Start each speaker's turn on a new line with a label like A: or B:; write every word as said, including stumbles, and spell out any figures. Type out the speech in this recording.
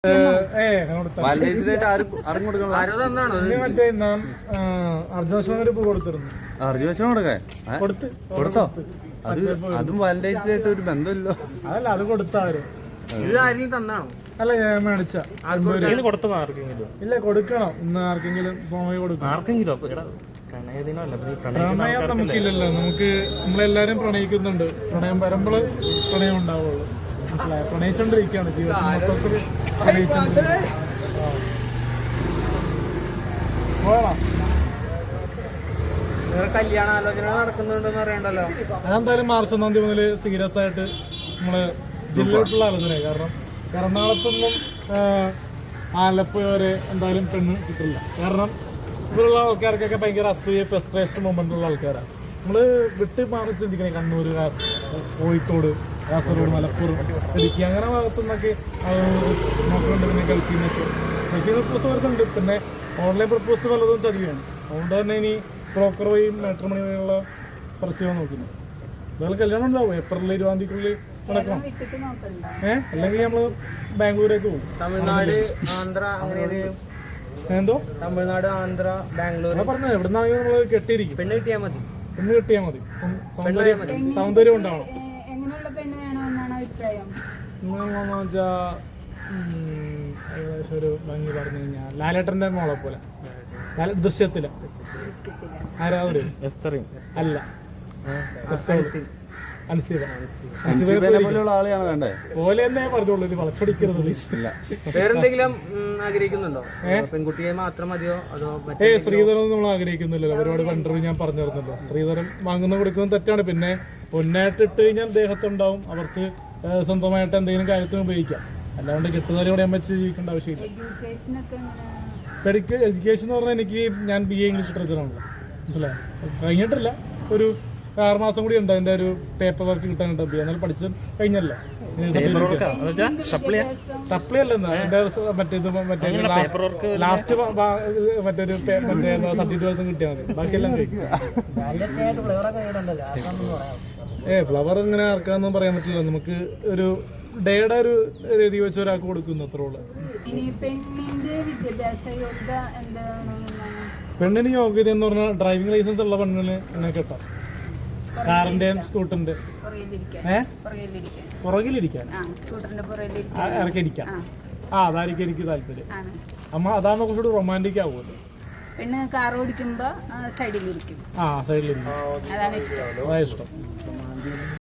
A: അർജുനോട് കൊടുത്തിരുന്നു.
B: അർജുനോട് കൊടുക്കേ കൊടുത്തോ? അതും വാലന്റൈൻസ് ഡേ ആയിട്ട് ഒരു ബന്ധമില്ലോ.
A: അതല്ല, അത് കൊടുത്താരും അല്ല, ഞാൻ മേടിച്ച ഇല്ല, കൊടുക്കണം. ഇന്ന് ആർക്കെങ്കിലും പ്രണയം നമുക്കില്ലല്ലോ. നമുക്ക് നമ്മളെല്ലാരും പ്രണയിക്കുന്നുണ്ട്. പ്രണയം വരുമ്പോൾ പ്രണയം ഉണ്ടാവുള്ളൂ. മനസ്സിലായോ? പ്രണയിച്ചോണ്ടിരിക്കുകയാണ് ജീവിതത്തിൽ മൊത്തത്തിൽ പ്രണയിച്ചോണ്ടിരിക്കുകയാണ്.
C: കല്യാണാലോചന നടക്കുന്നുണ്ടെന്ന് അറിയണ്ടല്ലോ.
A: അതെന്തായാലും മാർച്ച് ഒന്നാം തീയതി മുതൽ സീരിയസ് ആയിട്ട് നമ്മള് ജില്ലയിലുള്ള ആലോചനയായി. കാരണം എറണാകുളത്തൊന്നും ആലപ്പുഴ വരെ എന്തായാലും പെണ്ണ് കിട്ടില്ല. കാരണം ഇവിടെയുള്ള ആൾക്കാർക്കൊക്കെ ഭയങ്കര അസൂയ, ഫ്രസ്ട്രേഷൻ മൊമെന്റ് ഉള്ള ആൾക്കാരാണ്. നമ്മള് വിട്ട് മാറി ചിന്തിക്കണേ. കണ്ണൂർ, കോഴിക്കോട്, കാസർഗോഡ്, മലപ്പുറം, ഇടുക്കി അങ്ങനെ ഭാഗത്തുനിന്നൊക്കെ നോക്കുന്നുണ്ട്. പിന്നെ ഗൾഫിൽ നിന്നൊക്കെ ഗൾഫിൽ പ്രപ്പോസ് വരുന്നുണ്ട്. പിന്നെ ഓൺലൈൻ പ്രപ്പോസ് പലതും ചതിയാണ്. അതുകൊണ്ട് തന്നെ ഇനി ബ്രോക്കർ വഴിയും മാട്രിമോണി വഴിയുള്ള പരസ്യമാണ് നോക്കുന്നത്. ഇയാൾ കല്യാണം ഉണ്ടാവും ഏപ്രിൽ ഇരുപതാം തീയതിക്കുള്ളിൽ നടക്കണം. ഏഹ് അല്ലെങ്കിൽ നമ്മള് ബാംഗ്ലൂരേക്ക് പോകും.
C: തമിഴ്നാട്, ആന്ധ്ര, അങ്ങനെ
A: എന്തോ
C: തമിഴ്നാട്, ആന്ധ്ര, ബാംഗ്ലൂർ
A: പറഞ്ഞത് എവിടുന്നാണെങ്കിൽ നമ്മള് കെട്ടിയിരിക്കും.
C: പെണ്ണ് കിട്ടിയാൽ മതി.
A: പെണ്ണ് കിട്ടിയാൽ മതി. സൗന്ദര്യം ഉണ്ടാവണം. എങ്ങനെയാണെന്ന് വെച്ചാ ഏകദേശം ഒരു ഭംഗി പറഞ്ഞു കഴിഞ്ഞാൽ ലാലേട്ടന്റെ മോളെ പോലെ. ദൃശ്യത്തില് ആരാധന അല്ല, പോലെ തന്നെ പറഞ്ഞോളൂ. ഇത് വളച്ചൊടിക്കരുത്.
C: വേറെന്തെങ്കിലും ആഗ്രഹിക്കുന്നുണ്ടോ? പെൺകുട്ടിയെ മാത്രം മതിയോ അതോ?
A: ഏ ശ്രീധരൻ നമ്മൾ ആഗ്രഹിക്കുന്നില്ലല്ലോ. ഒരുപാട് കണ്ടറി ഞാൻ പറഞ്ഞിരുന്നല്ലോ. ശ്രീധരൻ വാങ്ങുന്ന കൊടുക്കുന്നത് തെറ്റാണ്. പിന്നെ പൊന്നായിട്ട് ഇട്ട് കഴിഞ്ഞാൽ ദേഹത്തുണ്ടാവും. അവർക്ക് സ്വന്തമായിട്ട് എന്തെങ്കിലും കാര്യത്തിന് ഉപയോഗിക്കാം. അല്ലാണ്ട് കിട്ടുന്നവരോടെ ഞാൻ വെച്ച് ജീവിക്കേണ്ട ആവശ്യമില്ല. മെഡിക്കൽ എഡ്യൂക്കേഷൻ എന്ന് പറഞ്ഞാൽ എനിക്ക് ഞാൻ ബി എ ഇംഗ്ലീഷ് ലിറ്ററേച്ചറാണല്ലോ. മനസ്സിലായോ? കഴിഞ്ഞിട്ടില്ല. ഒരു ആറ് മാസം കൂടി ഉണ്ട് അതിന്റെ ഒരു പേപ്പർ വർക്ക് കിട്ടാനായിട്ട്. ബി എന്നാലും പഠിച്ച് കഴിഞ്ഞല്ലോ. സപ്ലി അല്ലെന്ന് മറ്റേത് മറ്റേ ലാസ്റ്റ് മറ്റൊരു മറ്റേ സർട്ടിഫിക്കറ്റ് കിട്ടിയാൽ മതി. ബാക്കിയെല്ലാം കഴിക്കും. ഏ ഫ്ലവർ ഇങ്ങനെ ആർക്കാന്നും പറയാൻ പറ്റില്ല. നമുക്ക് ഒരു ഡേയുടെ ഒരു രീതി വെച്ച് ഒരാൾക്ക് കൊടുക്കുന്നു, അത്രേ ഉള്ളൂ. പെണ്ണിന് യോഗ്യത എന്ന് പറഞ്ഞാൽ ഡ്രൈവിംഗ് ലൈസൻസ് ഉള്ള പെണ്ണിന് എന്നെ കിട്ടാം. കാറിന്റെയും സ്കൂട്ടറിന്റെ ഏഹ് പുറകിലിരിക്കാൻ ഇറക്കിയിരിക്കാം. ആ അതായിരിക്കും എനിക്ക് താല്പര്യം. അമ്മ അതാകുമ്പോ കുറച്ചുകൂടി റൊമാൻറ്റിക് ആവുമല്ലോ.
D: പെണ്ണ് കാർ ഓടിക്കുമ്പോ സൈഡിലിരിക്കും.
A: ആ സൈഡിലിരിക്കും. അതാണ് ഇഷ്ടം.